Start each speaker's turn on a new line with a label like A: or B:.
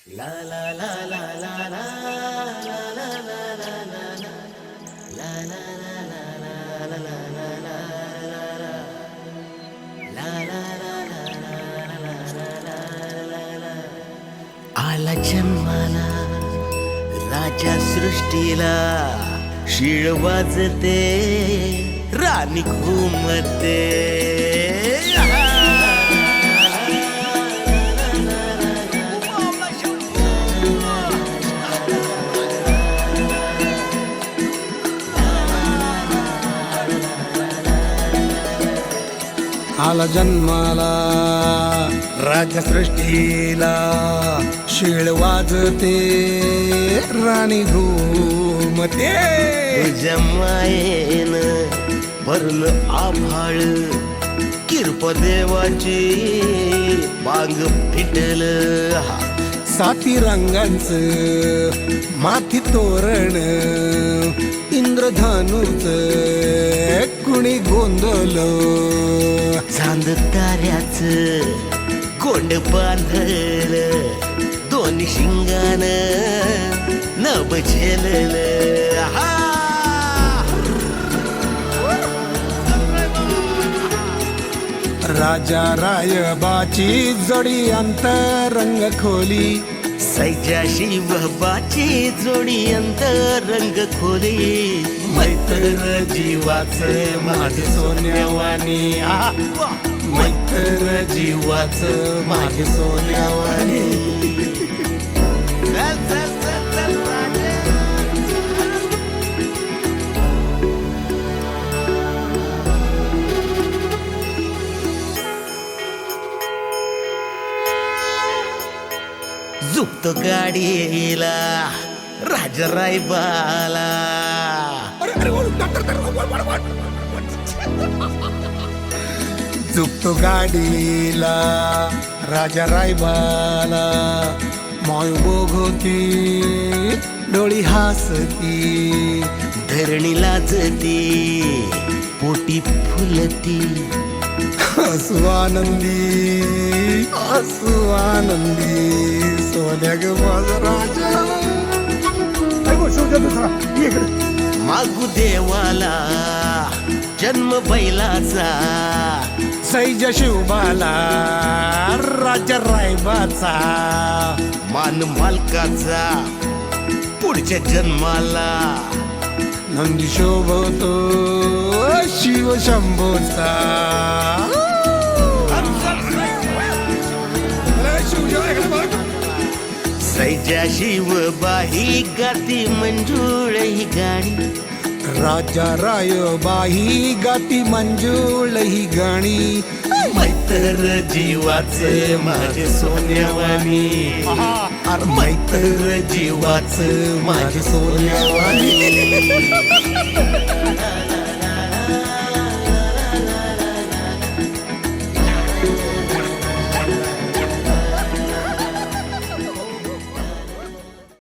A: La la la la la la la la la la la la la la la आला जन्माला राजा सृष्टीला शिळ वाजते राणी घुमते
B: आला जन्माला राजसृष्टीला शिळ वाजते राणी घुमते
A: तुझ्या मायेन भरलं आभाळ किरप देवाची बांग फिटल
B: साती रंगांचं माथी तोरण इंद्रधनुच कुणी गोंधळ
A: चांद ताऱ्याच कोंड बांधल दोन्ही शिंगान नभ झेलल
B: राजा रायबाची जोडी अंतरंग खोली
A: सैजा शिवबाची जोडी अंतरंग खोली
B: मैत्र जीवाच माझ सोन्यावानी मैत्र जीवाच माझ सोन्यावानी
A: झुकतो गाडीला राजा रायबाला
B: झुकतो गाडीला राजा रायबाला माय बघती डोळी हसती
A: धरणी लाजती पोटी फुलती
B: हसू आनंदी सोन्या ग माझा राजा
A: मागू देवाला जन्म बैलाचा
B: सैज शिवबाला राजा रायबाचा
A: मान मालकाचा पुढच्या जन्माला
B: नंदी शोभतो शिव शंभोचा
A: सैजा शिवबाही गाती मंजुळ ही गाणी
B: राजा रायबाही गाती मंजुळ ही गाणी
A: मैत्र जीवाचे माझे सोन्यावानी
B: मैत्र जीवाच माझे सोन्यावानी